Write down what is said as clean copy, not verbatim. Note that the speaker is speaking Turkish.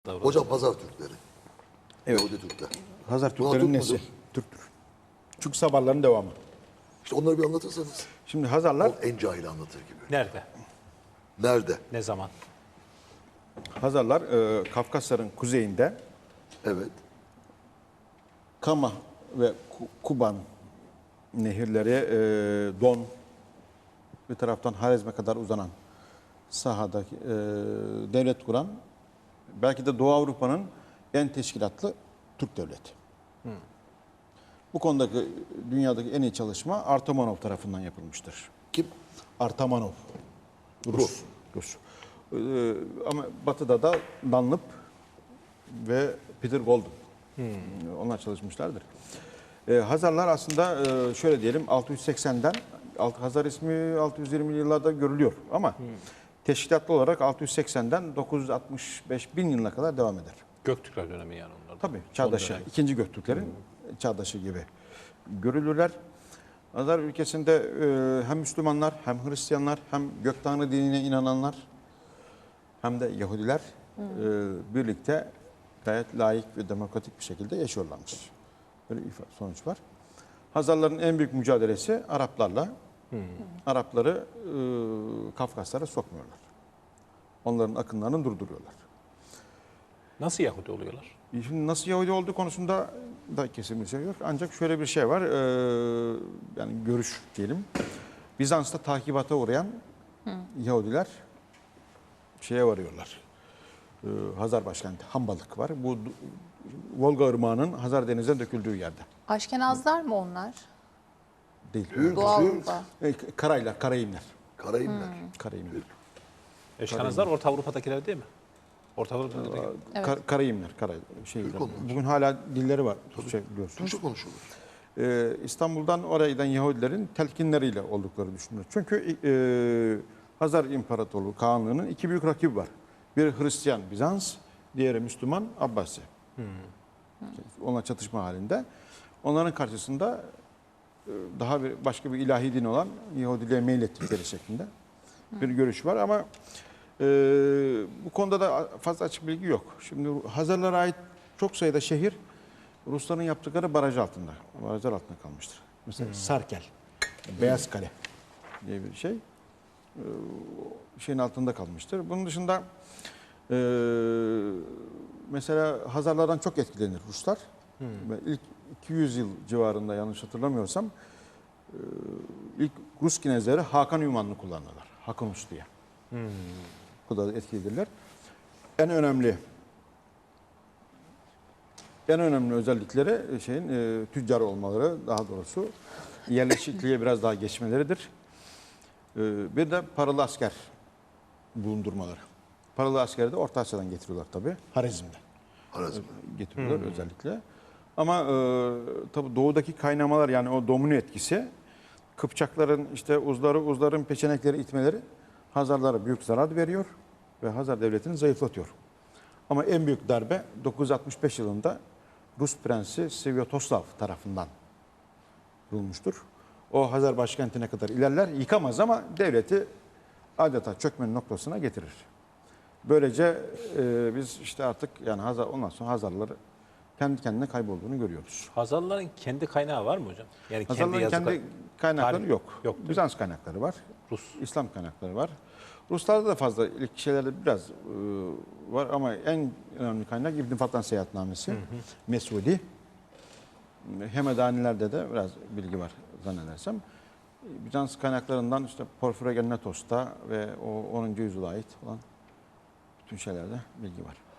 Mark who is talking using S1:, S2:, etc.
S1: Hocam Hazar Türkleri.
S2: Evet.
S1: Yahudi Türkler.
S2: Hazar
S1: Bunlar
S2: Türklerin
S1: Türk
S2: nesi?
S1: müdür?
S2: Türktür. Çünkü Sabarların devamı.
S1: İşte onları bir anlatırsanız.
S2: Şimdi Hazarlar,
S1: O en cahil anlatır gibi.
S3: Nerede?
S1: Nerede?
S3: Ne zaman?
S2: Hazarlar Kafkasların kuzeyinde
S1: Evet.
S2: Kama ve Kuban nehirleri, Don, bir taraftan Harezm'e kadar uzanan sahadaki devlet kuran, belki de Doğu Avrupa'nın en teşkilatlı Türk devleti. Bu konudaki dünyadaki en iyi çalışma Artamanov tarafından yapılmıştır.
S1: Kim?
S2: Artamanov.
S1: Rus.
S2: Rus. Ama batıda da Dunlop ve Peter Golden. Onlar çalışmışlardır. Hazarlar aslında şöyle diyelim 680'den Hazar ismi 620'li yıllarda görülüyor ama teşkilatlı olarak 680'den 965 bin yılına kadar devam eder.
S3: Göktürkler dönemi yani onlar.
S2: Tabii çağdaşı,
S3: dönem.
S2: ikinci Göktürklerin çağdaşı gibi görülürler. Hazar ülkesinde hem Müslümanlar hem Hristiyanlar hem gök tanrı dinine inananlar hem de Yahudiler birlikte gayet layık ve demokratik bir şekilde yaşıyorlarmış. Böyle bir sonuç var. Hazarların en büyük mücadelesi Araplarla. Arapları Kafkaslara sokmuyorlar. Onların akınlarını durduruyorlar.
S3: Nasıl Yahudi oluyorlar?
S2: Şimdi nasıl Yahudi olduğu konusunda da kesin bir şey yok. Ancak şöyle bir şey var. Yani görüş diyelim. Bizans'ta takibata uğrayan Yahudiler şeye varıyorlar. Hazar başkenti Hambalık var. Bu Volga Irmağı'nın Hazar Denizi'ne döküldüğü yerde.
S4: Aşkenazlar mı onlar?
S2: Değil.
S4: Doğu Avrupa.
S2: Karaylar, Karayimler.
S1: Karayimler.
S2: Karayimler.
S3: Eşkanazlar Orta Avrupa'dakiler değil mi? Orta Avrupa'dakiler.
S4: Evet.
S2: Karayimler. Bugün hala dilleri var. Türkçe biliyorsunuz.
S1: Türkçe konuşulur.
S2: İstanbul'dan oraya giden Yahudilerin telkinleriyle oldukları düşünülür. Çünkü Hazar İmparatorluğu Kağanlığı'nın iki büyük rakibi var. Biri Hristiyan Bizans, diğeri Müslüman Abbasi. Onlar çatışma halinde. Onların karşısında daha başka bir ilahi din olan Yahudiliğe meylettikleri şeklinde bir görüş var ama bu konuda da fazla açık bilgi yok. Şimdi Hazarlara ait çok sayıda şehir Rusların yaptıkları baraj altında. Barajlar altında kalmıştır. Mesela Sarkel, Beyaz Kale diye bir şey. Şeyin altında kalmıştır. Bunun dışında mesela Hazarlardan çok etkilenir Ruslar. Ve ilk 200 yıl civarında yanlış hatırlamıyorsam ilk Rus kinezleri Hakan ünvanını kullanırlar. Hakan Rus diye. Bu da etkilidirler. En önemli özellikleri tüccar olmaları, daha doğrusu yerleşikliğe biraz daha geçmeleridir. Bir de paralı asker bulundurmaları. Paralı askeri de Orta Asya'dan getiriyorlar tabii. Harezm'den getiriyorlar özellikle. Ama tabii doğudaki kaynamalar yani o domino etkisi Kıpçakların işte Uzların peçenekleri itmeleri Hazarlara büyük zarar veriyor ve Hazar devletini zayıflatıyor. Ama en büyük darbe 965 yılında Rus prensi Svyatoslav tarafından vurulmuştur. O Hazar başkentine kadar ilerler, yıkamaz ama devleti adeta çökmenin noktasına getirir. Böylece biz işte artık yani ondan sonra Hazarları kendi kendine kaybolduğunu görüyoruz.
S3: Hazarların kendi kaynağı var mı hocam? Yani
S2: Hazarların kendi kaynakları
S3: tarih
S2: yok.
S3: yok değil mi?
S2: Bizans kaynakları var.
S3: Rus.
S2: İslam kaynakları var. Ruslarda da fazla ilk şeylerde biraz var ama en önemli kaynak İbn Fattan Seyahatnamesi, Mesudi. Hemedaniler'de de biraz bilgi var zannedersem. Bizans kaynaklarından işte Porfirogenetos'ta ve o 10. yüzyıla ait olan bütün şeylerde bilgi var.